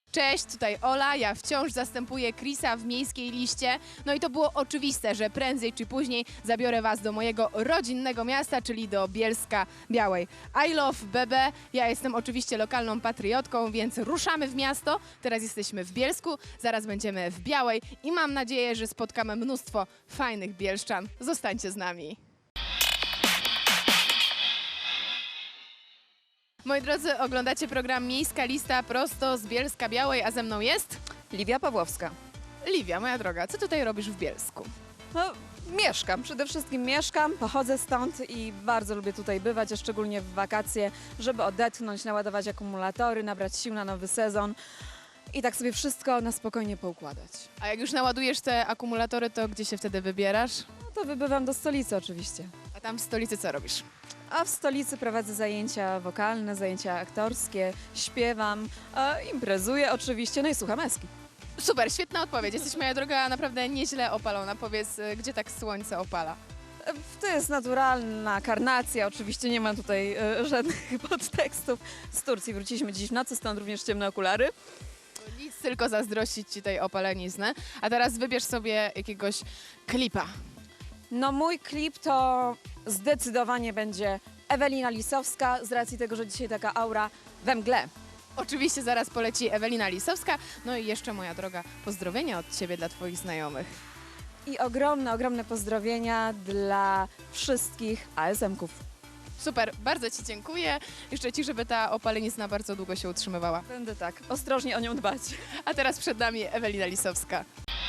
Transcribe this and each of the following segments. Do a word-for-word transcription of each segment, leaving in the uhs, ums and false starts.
Cześć, tutaj Ola, ja wciąż zastępuję Chrisa w miejskiej liście. No i to było oczywiste, że prędzej czy później zabiorę Was do mojego rodzinnego miasta, czyli do Bielska Białej. I love B B, ja jestem oczywiście lokalną patriotką, więc ruszamy w miasto. Teraz jesteśmy w Bielsku, zaraz będziemy w Białej i mam nadzieję, że spotkamy mnóstwo fajnych bielszczan. Zostańcie z nami. Moi drodzy, oglądacie program Miejska Lista prosto z Bielska Białej, a ze mną jest Liwia Pawłowska. Liwia, moja droga. Co tutaj robisz w Bielsku? No, mieszkam, przede wszystkim mieszkam, pochodzę stąd i bardzo lubię tutaj bywać, a szczególnie w wakacje, żeby odetchnąć, naładować akumulatory, nabrać sił na nowy sezon i tak sobie wszystko na spokojnie poukładać. A jak już naładujesz te akumulatory, to gdzie się wtedy wybierasz? No to wybywam do stolicy oczywiście. A tam w stolicy co robisz? A w stolicy prowadzę zajęcia wokalne, zajęcia aktorskie, śpiewam, a imprezuję oczywiście, no i słucham eski. Super, świetna odpowiedź. Jesteś, moja droga, naprawdę nieźle opalona. Powiedz, y, gdzie tak słońce opala? To jest naturalna karnacja, oczywiście nie ma tutaj e, żadnych podtekstów. Z Turcji wróciliśmy dziś w nocy, stąd również ciemne okulary. Nic, tylko zazdrościć ci tej opaleniznę. A teraz wybierz sobie jakiegoś klipa. No mój klip to zdecydowanie będzie Ewelina Lisowska, z racji tego, że dzisiaj taka aura we mgle. Oczywiście zaraz poleci Ewelina Lisowska. No i jeszcze, moja droga, pozdrowienia od ciebie dla twoich znajomych. I ogromne, ogromne pozdrowienia dla wszystkich A S M-ków. Super, bardzo ci dziękuję. Życzę ci, żeby ta opalenizna bardzo długo się utrzymywała. Będę tak ostrożnie o nią dbać. A teraz przed nami Ewelina Lisowska.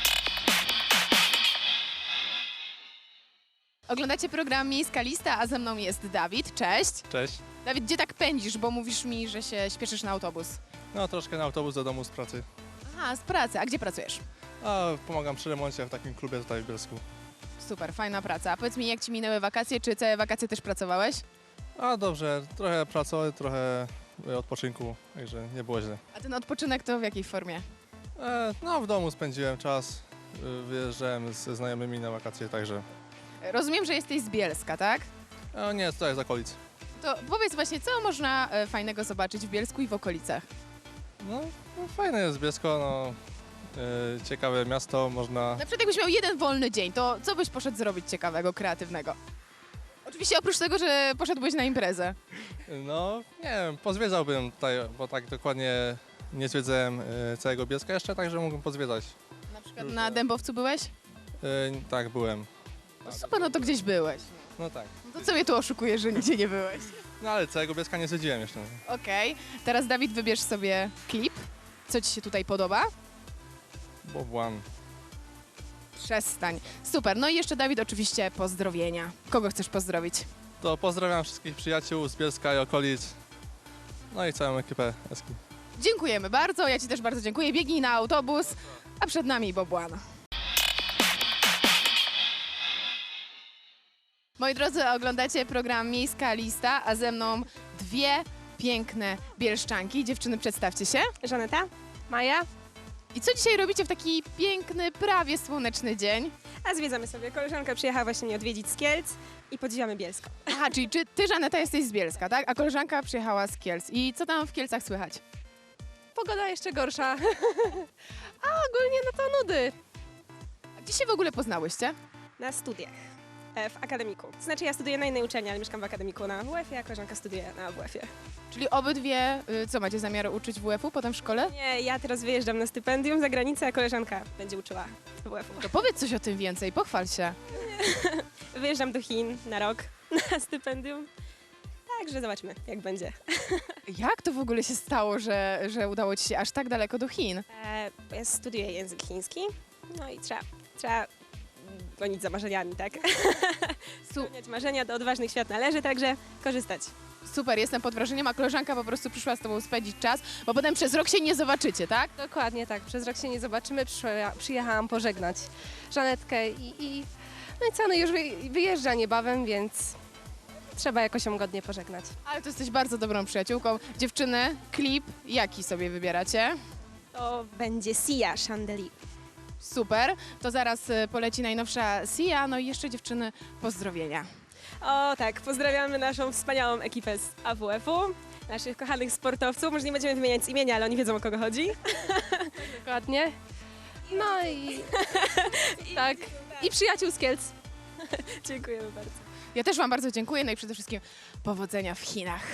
Oglądacie program Miejska Lista, a ze mną jest Dawid. Cześć. Cześć. Dawid, gdzie tak pędzisz, bo mówisz mi, że się śpieszysz na autobus? No troszkę na autobus do domu z pracy. Aha, z pracy. A gdzie pracujesz? A pomagam przy remoncie w takim klubie tutaj w Bielsku. Super, fajna praca. A powiedz mi, jak ci minęły wakacje? Czy całe wakacje też pracowałeś? A dobrze, trochę pracy, trochę odpoczynku, także nie było źle. A ten odpoczynek to w jakiej formie? E, no w domu spędziłem czas, y, wyjeżdżałem ze znajomymi na wakacje, także... Rozumiem, że jesteś z Bielska, tak? E, nie, tutaj z okolic. To powiedz właśnie, co można e, fajnego zobaczyć w Bielsku i w okolicach? No, no fajne jest Bielsko, no e, ciekawe miasto, można... Na przykład jakbyś miał jeden wolny dzień, to co byś poszedł zrobić ciekawego, kreatywnego? Oczywiście oprócz tego, że poszedłbyś na imprezę. No, nie wiem, pozwiedzałbym tutaj, bo tak dokładnie nie zwiedzałem e, całego Bielska jeszcze, także mógłbym pozwiedzać. Na przykład na Dębowcu byłeś? E, tak, byłem. No super, no to gdzieś byłeś. No tak. No to co mnie tu oszukujesz, że nigdzie nie byłeś? No ale całego Bielska nie zwiedziłem jeszcze. Okej, teraz Dawid, wybierz sobie klip. Co ci się tutaj podoba? Bobłan. Przestań. Super, no i jeszcze Dawid, oczywiście pozdrowienia. Kogo chcesz pozdrowić? To pozdrawiam wszystkich przyjaciół z Bielska i okolic. No i całą ekipę Eski. Dziękujemy bardzo, ja ci też bardzo dziękuję. Biegnij na autobus, a przed nami Bobłana. Moi drodzy, oglądacie program Miejska Lista, a ze mną dwie piękne bielszczanki. Dziewczyny, przedstawcie się. Żaneta, Maja, I co dzisiaj robicie w taki piękny, prawie słoneczny dzień? a zwiedzamy sobie. Koleżanka przyjechała właśnie mnie odwiedzić z Kielc i podziwiamy Bielsko. Aha, czyli czy ty, Żaneta, jesteś z Bielska, tak? A koleżanka przyjechała z Kielc. I co tam w Kielcach słychać? Pogoda jeszcze gorsza. A ogólnie no to nudy. A gdzie się w ogóle poznałyście? Na studiach. e, W akademiku. Znaczy ja studiuję na innej uczelni, ale mieszkam w akademiku na W F-ie, a koleżanka studiuje na W F-ie. Czyli obydwie, y, co macie zamiar uczyć W F-u potem w szkole? Nie, ja teraz wyjeżdżam na stypendium za granicę, a koleżanka będzie uczyła W F-u. To powiedz coś o tym więcej, pochwal się. Wyjeżdżam do Chin na rok na stypendium. Także zobaczmy, jak będzie. Jak to w ogóle się stało, że, że udało ci się aż tak daleko do Chin? E, Ja studiuję język chiński, no i trzeba, trzeba gonić za marzeniami, tak? Su- Spełniać marzenia, do odważnych świat należy, także korzystać. super, jestem pod wrażeniem, a koleżanka po prostu przyszła z tobą spędzić czas, bo potem przez rok się nie zobaczycie, tak? Dokładnie tak, przez rok się nie zobaczymy, Przyszła, przyjechałam pożegnać Żanetkę i, i no i co, no już wy- wyjeżdża niebawem, więc trzeba jakoś ją godnie pożegnać. Ale to jesteś bardzo dobrą przyjaciółką. Dziewczyny, klip jaki sobie wybieracie? To będzie Sia Chandelier. Super, to zaraz y, poleci najnowsza Sia, no i jeszcze dziewczyny, pozdrowienia. O tak, pozdrawiamy naszą wspaniałą ekipę z A W F-u. naszych kochanych sportowców. Może nie będziemy wymieniać z imienia, ale oni wiedzą, o kogo chodzi. Dokładnie. No i tak. I przyjaciół z Kielc. Dziękujemy bardzo. Ja też Wam bardzo dziękuję, no i przede wszystkim powodzenia w Chinach.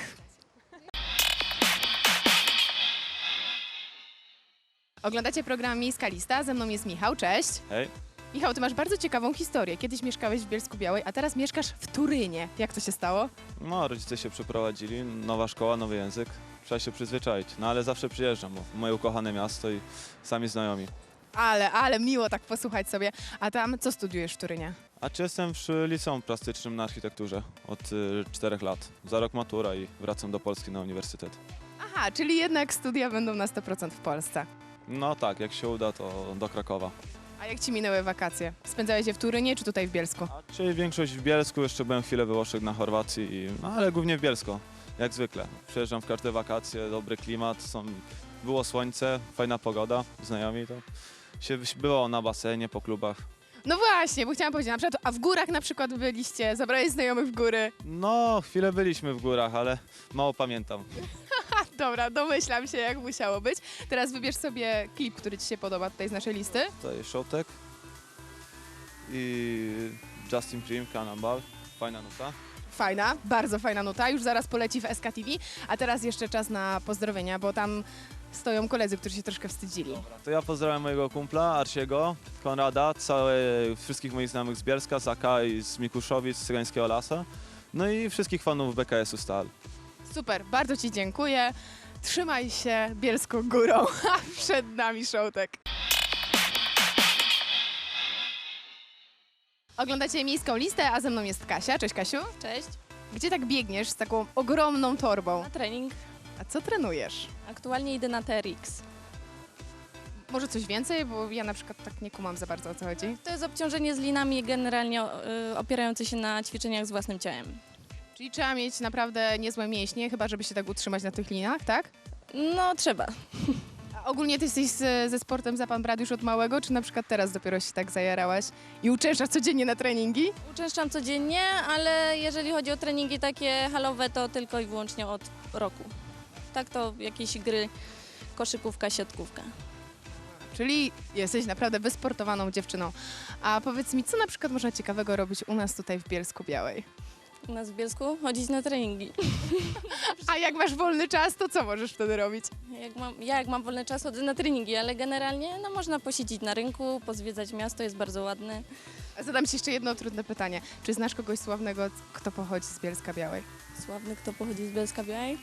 Oglądacie program Miejska Lista, ze mną jest Michał, cześć. Hej. Michał, ty masz bardzo ciekawą historię. Kiedyś mieszkałeś w Bielsku-Białej, a teraz mieszkasz w Turynie. Jak to się stało? No, rodzice się przeprowadzili, nowa szkoła, nowy język. Trzeba się przyzwyczaić. No ale zawsze przyjeżdżam, bo moje ukochane miasto i sami znajomi. Ale, ale miło tak posłuchać sobie. A tam co studiujesz w Turynie? A czy jestem przy liceum plastycznym na architekturze od y, czterech lat. Za rok matura i wracam do Polski na uniwersytet. Aha, czyli jednak studia będą na sto procent w Polsce. No tak, jak się uda, to do Krakowa. A jak ci minęły wakacje? Spędzałeś je w Turynie czy tutaj w Bielsku? A czyli większość w Bielsku, jeszcze byłem chwilę we Włoszech na Chorwacji, i, no ale głównie w Bielsko, jak zwykle. Przyjeżdżam w każde wakacje, dobry klimat, są, było słońce, fajna pogoda, znajomi, to się było na basenie, po klubach. No właśnie, bo chciałam powiedzieć, na przykład, a w górach na przykład byliście, zabrałeś znajomych w góry. No, chwilę byliśmy w górach, ale mało pamiętam. Ha, dobra, domyślam się, jak musiało być. Teraz wybierz sobie klip, który ci się podoba tutaj z naszej listy. Tutaj Showtek i Justin Prim, Cannonball, fajna nuta. Fajna, bardzo fajna nuta, już zaraz poleci w S K T V, a teraz jeszcze czas na pozdrowienia, bo tam stoją koledzy, którzy się troszkę wstydzili. To ja pozdrawiam mojego kumpla Arsiego, Konrada, całe, wszystkich moich znajomych z Bielska, z A K i z Mikuszowic, z Cygańskiego Lasa, no i wszystkich fanów B K S-u Stal. Super, bardzo ci dziękuję. Trzymaj się bielską górą, a przed nami Showtek. Oglądacie Miejską Listę, a ze mną jest Kasia. Cześć Kasiu. Cześć, Gdzie tak biegniesz z taką ogromną torbą? na trening. A co trenujesz? Aktualnie idę na T R X. Może coś więcej, bo ja na przykład tak nie kumam za bardzo, o co chodzi. To jest obciążenie z linami generalnie y, opierające się na ćwiczeniach z własnym ciałem. Czyli trzeba mieć naprawdę niezłe mięśnie, chyba żeby się tak utrzymać na tych linach, tak? No trzeba. A ogólnie ty jesteś z, ze sportem za pan brat już od małego, czy na przykład teraz dopiero się tak zajarałaś i uczęszczasz codziennie na treningi? Uczęszczam codziennie, ale jeżeli chodzi o treningi takie halowe, to tylko i wyłącznie od roku. Tak to jakieś gry, koszykówka, siatkówka. Czyli jesteś naprawdę wysportowaną dziewczyną. A powiedz mi, co na przykład można ciekawego robić u nas tutaj w Bielsku-Białej? U nas w Bielsku chodzić na treningi. A jak masz wolny czas, to co możesz wtedy robić? Jak mam, ja jak mam wolny czas, chodzę na treningi, ale generalnie no, można posiedzieć na rynku, pozwiedzać miasto, jest bardzo ładne. A zadam ci jeszcze jedno trudne pytanie. Czy znasz kogoś sławnego, kto pochodzi z Bielska-Białej? Sławny, kto pochodzi z Bielska Białej?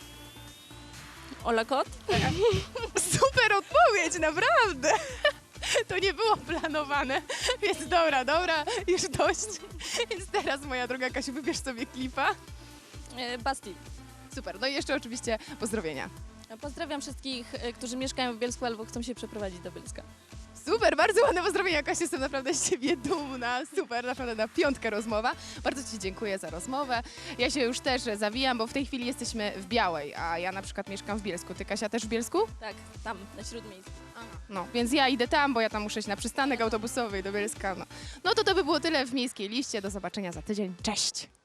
Ola Kot? Super odpowiedź, naprawdę! To nie było planowane, więc dobra, dobra, już dość. Więc teraz, moja droga Kasiu, wybierz sobie klipa. E, Basti. Super, no i jeszcze oczywiście pozdrowienia. Pozdrawiam wszystkich, e, którzy mieszkają w Bielsku albo chcą się przeprowadzić do Bielska. Super, bardzo ładne pozdrowienia, Kasiu, jestem naprawdę z ciebie dumna. Super, naprawdę na piątkę rozmowa. Bardzo ci dziękuję za rozmowę. Ja się już też zawijam, bo w tej chwili jesteśmy w Białej, a ja na przykład mieszkam w Bielsku. Ty, Kasia, też w Bielsku? Tak, tam, na Śródmieściu. No, więc ja idę tam, bo ja tam muszę iść na przystanek autobusowy do Bielska. No. no to to by było tyle w Miejskiej Liście. Do zobaczenia za tydzień. Cześć!